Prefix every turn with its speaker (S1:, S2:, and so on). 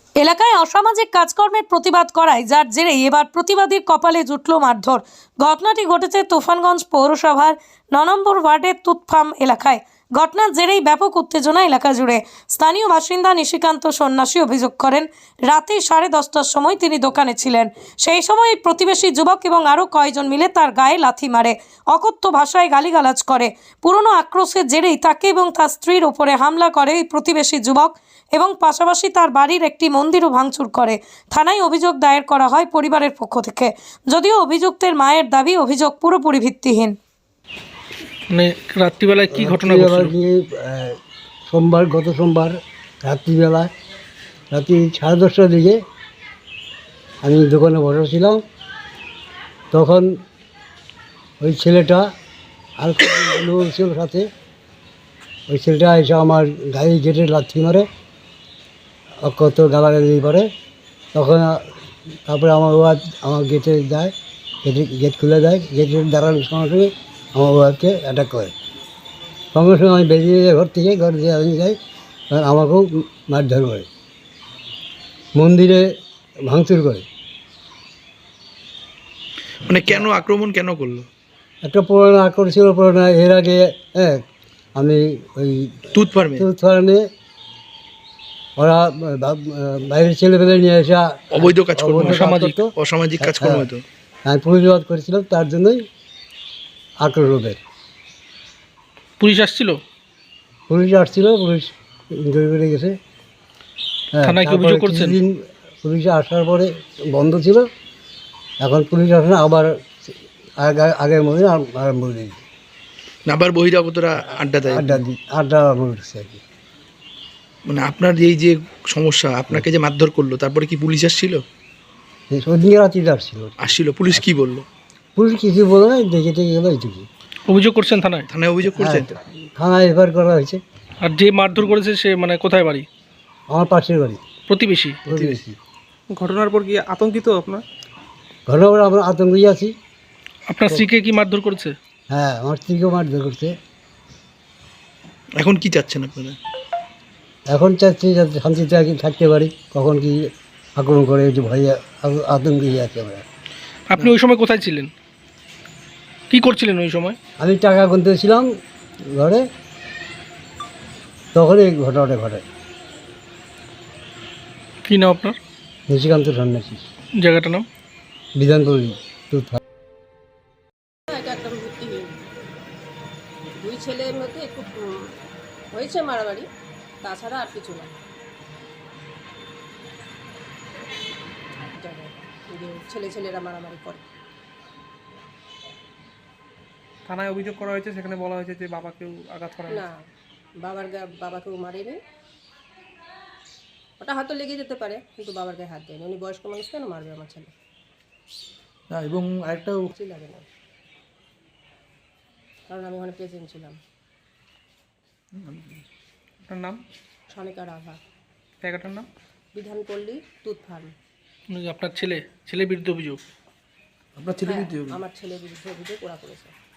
S1: এলাকায় অসামাজিক কাজকর্মের প্রতিবাদ করায় যার জেরে এবার প্রতিবাদীর কপালে জুটল মারধর। ঘটনাটি ঘটেছে তুফানগঞ্জ পৌরসভার ৯ নম্বর ওয়ার্ডের তুতফার্ম এলাকায়। ঘটনার জেরেই ব্যাপক উত্তেজনা এলাকা জুড়ে। স্থানীয় বাসিন্দা নিশিকান্ত সন্ন্যাসী অভিযোগ করেন, রাতে 10:30টার সময় তিনি দোকানে ছিলেন। সেই সময় প্রতিবেশী যুবক এবং আরও কয়েকজন মিলে তার গায়ে লাথি মারে, অকথ্য ভাষায় গালিগালাজ করে। পুরনো আক্রোশের জেরেই তাকে এবং তার স্ত্রীর ওপরে হামলা করে এই প্রতিবেশী যুবক এবং পাশাপাশি তার বাড়ির একটি মন্দিরও ভাঙচুর করে। থানায় অভিযোগ দায়ের করা হয় পরিবারের পক্ষ থেকে, যদিও অভিযুক্তের মায়ের দাবি অভিযোগ পুরোপুরি ভিত্তিহীন।
S2: মানে রাত্রিবেলায় কি ঘটনা ঘটছিল?
S3: গত সোমবার রাত্রিবেলায় রাত্রি 10:30টার দিকে আমি দোকানে বসেছিলাম। তখন ওই ছেলেটা আর লোক ছিল সাথে, ওই ছেলেটা এসে আমার গাড়ি গেটে লাথি মারে, কত গালাগালি করে। তখন তারপরে আমার ওয়াইফ আমার গেটে যায়, গেট খুলে দেয়। গেটের দাঁড়ানোর সঙ্গে সঙ্গে আমার ওয়াইফকে অ্যাটাক করে। সঙ্গে সঙ্গে আমি বেরিয়ে যাই ঘর থেকে, ঘর দিয়ে আমি যাই, আমাকেও মারধর করে, মন্দিরে ভাঙচুর করে।
S2: মানে কেন আক্রমণ কেন করলো?
S3: একটা পুরোনো আক্রমণ ছিল, পুরোনো। এর আগে আমি ওই তুতফার্মে ওরা বাইরের ছেলেপেলে নিয়ে এসে
S2: অবৈধ কাজ করতো, অসামাজিক কাজ করতো।
S3: আমি প্রতিবাদ করেছিলাম, তার জন্যই আক্রোশ ওদের।
S2: পুলিশ আসছিল?
S3: পুলিশ আসছিল, পুলিশ ইনকোয়ারি করে গেছে।
S2: থানায় কি অভিযোগ করছেন?
S3: পুলিশ আসার পরে বন্ধ ছিল, এখন পুলিশ আসে না, আবার আগের মধ্যে আরম্ভ করে দিয়েছে।
S2: আবার বহিরাগতরা আড্ডা দেয়,
S3: আড্ডা বলছে আর কি।
S2: মানে আপনার এই যে সমস্যা, আপনাকে যে মারধর করলো, তারপরে কি পুলিশ আসছিল?
S3: ওদিকে রাত্রিতে আসছিল।
S2: পুলিশ কি বললো?
S3: পুলিশ কিছু বলে না, দেখে টেকে গেলো, এইটুকু।
S2: অভিযোগ করছেন থানায়? থানায় অভিযোগ করছেন?
S3: থানায় এফআইআর করা হয়েছে।
S2: আর যে মারধর করেছে সে মানে কোথায় বাড়ি?
S3: আমার পাশের বাড়ি,
S2: প্রতিবেশী।
S4: ঘটনার পর কি আতঙ্কিত আপনার?
S3: ঘটনার পর আমরা আতঙ্কেই আছি।
S2: আপনার স্ত্রীকে কি মারধর করেছে?
S3: হ্যাঁ, আমার স্ত্রীকেও মারধর করছে।
S2: এখন কি চাচ্ছেন আপনারা?
S3: এখন চাচ্ছি যাতে শান্তিতে আর কি থাকতে পারি, কখন কি আক্রমণ করে, একটু ভয়ে আতঙ্কেই আছি আমরা।
S2: আপনি ওই সময় কোথায় ছিলেন, কি করছিলেন ওই সময়?
S3: আমি টাকা গুনতেছিলাম ঘরে, তখন এই ঘটনাটা ঘটে।
S2: কি নাম আপনার?
S3: নিশিকান্ত সন্ন্যাসী।
S2: জায়গাটার নাম?
S3: বিধানপল্লী তুতফার্ম।
S5: এটা একদম ভিত্তিহীন। দুই ছেলের মধ্যে একটু হয়েছে মারামারি, তাছাড়া আর কিছু না। ছেলেরা মারামারি করে।
S4: থানায় অভিযোগ করা হয়েছে, সেখানে বলা হয়েছে যে বাবাকেও আঘাত করা হয়েছে।
S5: না, বাবাকেও মারেনি। ওটা হয়তো লেগে যেতে পারে, কিন্তু বাবার গায়ে হাত দেয়নি। উনি বয়স্ক মানুষ, কেন মারবে আমার ছেলে?
S2: এবং আরেকটা
S5: লাগে না, কারণ আমি ওখানে প্রেজেন্ট ছিলাম।
S4: আপনার নাম?
S5: সনিকা রাভা।
S4: জায়গাটার নাম?
S5: বিধানপল্লী তুতফার্ম।
S2: আপনার ছেলের বিরুদ্ধে অভিযোগ?
S5: আমার ছেলের বিরুদ্ধে অভিযোগ ওরা করেছে।